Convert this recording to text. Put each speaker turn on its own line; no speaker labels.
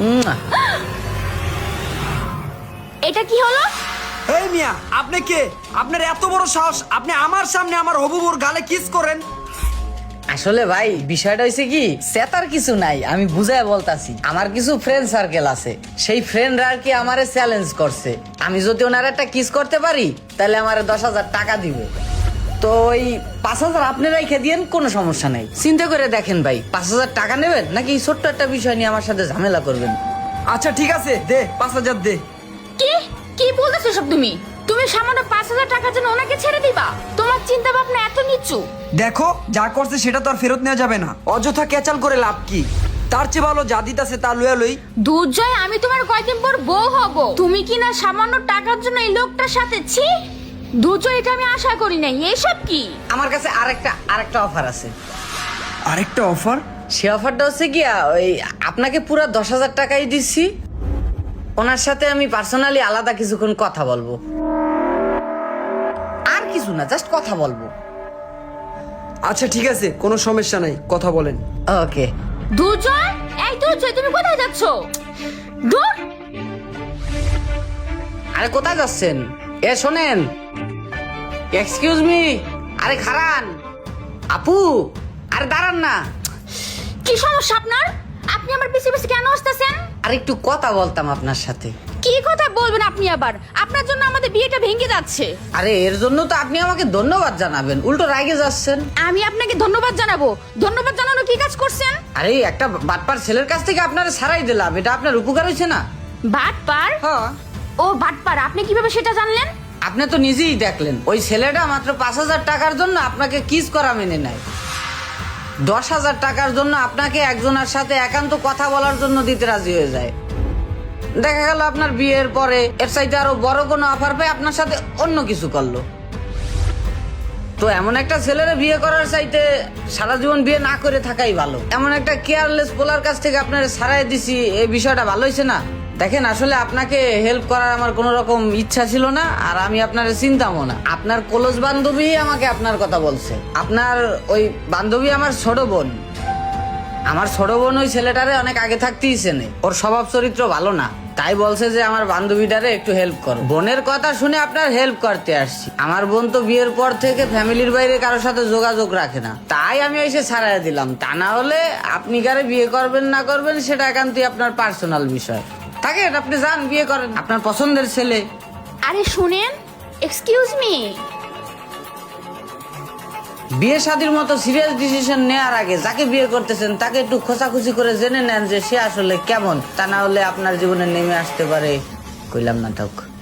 এটা কি হলো?
এই মিয়া, আপনি কে? আপনার এত বড় সাহস, আপনি আমার সামনে আমার হবু বউর গালে কিস করেন?
আসলে ভাই বিষয়টা হয়েছে কি, সেতার কিছু নাই, আমি বুঝায় বলতাছি। আমার কিছু ফ্রেন্ড সার্কেল আছে, সেই ফ্রেন্ডরা আর কি আমারে চ্যালেঞ্জ করছে, আমি যদি ওনার একটা কিস করতে পারি তাহলে আমার 10,000 টাকা দিবে। তো ওই 5,000 আপনি রেখে দিয়েন, কোনো সমস্যা নাই। চিন্তা করে দেখেন ভাই, 5,000 টাকা নেবেন নাকি ছোট্ট একটা বিষয় নিয়ে আমার সাথে ঝামেলা করবেন?
আচ্ছা ঠিক আছে, দে 5,000 দে।
কি কি বলতেছো সব তুমি? তুমি সামান্য 5,000 টাকার জন্য ওনাকে ছেড়ে দিবা? তোমার চিন্তা ভাবনা এত নিচু?
দেখো, যা করছে সেটা তো আর ফেরত নেওয়া যাবে না, অযথা ক্যাচাল করে লাভ কি? তার চেয়ে ভালো যা দিতাছে তা লইয়া লই।
দুর্জয়, আমি তোমার কয়দিন পর বউ হব, তুমি কি না সামান্য টাকার জন্য এই লোকটার সাথে? ছি দুর্জয়, এটা আমি আশা করি নাই। এসব কি?
আমার কাছে আরেকটা অফার আছে।
আরেকটা অফার?
সে অফারটা হচ্ছে কি, ওই আপনাকে পুরো 10,000 টাকাই দিচ্ছি, ওনার সাথে আমি পার্সোনালি আলাদা কিছুক্ষণ কথা বলবো, আর কিছু না, জাস্ট কথা বলবো।
আচ্ছা ঠিক আছে, কোনো সমস্যা নাই, কথা বলেন।
ওকে।
দুর্জয়, এই দুর্জয়, তুমি কোথায় যাচ্ছ? দূর!
আরে কোথায় যাচ্ছেন? এ শোনেন, এক্সকিউজ মি, আরে খারান, আপু, আরে দাঁড়ান না।
কি সমস্যা আপনার? আপনি আমার পিছে পিছে কেন আসতেছেন?
আর একটু কথা বলতাম আপনার সাথে।
কি কথা বলবেন আপনি আবার? আপনার জন্য আমাদের বিয়েটা ভেঙে যাচ্ছে।
আরে এর জন্য তো আপনি আমাকে ধন্যবাদ জানাবেন, উল্টো রাগে যাচ্ছেন।
আমি আপনাকে ধন্যবাদ জানাবো? ধন্যবাদ জানানো কি কাজ করছেন?
আরে একটা বাটপার ছেলের কাছ থেকে আপনারা ছাড়াই দিলাম, এটা আপনার উপকার হয়েছে না?
বাটপার?
হ্যাঁ।
ও বাটপার, আপনি কিভাবে সেটা জানলেন?
আপনি তো নিজেই দেখলেন, ওই ছেলেটা মাত্র 5,000 টাকার জন্য আপনাকে কিস করা মেনে নেয়। 10,000 টাকার জন্য আপনাকে একজনের সাথে একান্ত কথা বলার জন্য দিতে রাজি হয়ে যায়। দেখা গেল আপনার বিয়ের পরে এর চাইতে আরো বড় কোনো অফার পেয়ে আপনার সাথে অন্য কিছু করলো। তো এমন একটা ছেলেরা বিয়ে করার চাইতে সারা জীবন বিয়ে না করে থাকাই ভালো। এমন একটা কেয়ারলেস পোলার কাছ থেকে আপনার ছাড়াই দিছি, এই বিষয়টা ভালো হয়েছে না? দেখেন, আসলে আপনাকে হেল্প করার আমার কোনো রকম ইচ্ছা ছিল না, আর আমি আপনার চিন্তামও না। আপনার ক্লোজ বান্ধবী আমাকে আপনার কথা বলছে। আপনার ওই বান্ধবী আমার ছোট বোন। আমার ছোট বোন ওই ছেলেটারে অনেক আগে থাকতেই চেনে, ওর স্বভাব চরিত্র ভালো না, তাই বলছে যে আমার বান্ধবীটারে একটু হেল্প করো। বোনের কথা শুনে আপনার হেল্প করতে আসছি। আমার বোন তো বিয়ের পর থেকে ফ্যামিলির বাইরে কারোর সাথে যোগাযোগ রাখে না, তাই আমি এসে ছাড়াই দিলাম। তা না হলে আপনি কারে বিয়ে করবেন না করবেন সেটা একান্তই আপনার পার্সোনাল বিষয়। থাকেন, আপনি যান, বিয়ে করেন আপনার পছন্দের ছেলে।
আরে শুনেন, এক্সকিউজ মি,
বিয়ে শাদীর মতো সিরিয়াস ডিসিশন নেওয়ার আগে যাকে বিয়ে করতেছেন তাকে একটু খোঁচাখুচি করে জেনে নেন যে সে আসলে কেমন, তা না হলে আপনার জীবনে নেমে আসতে পারে কইলাম নাটক।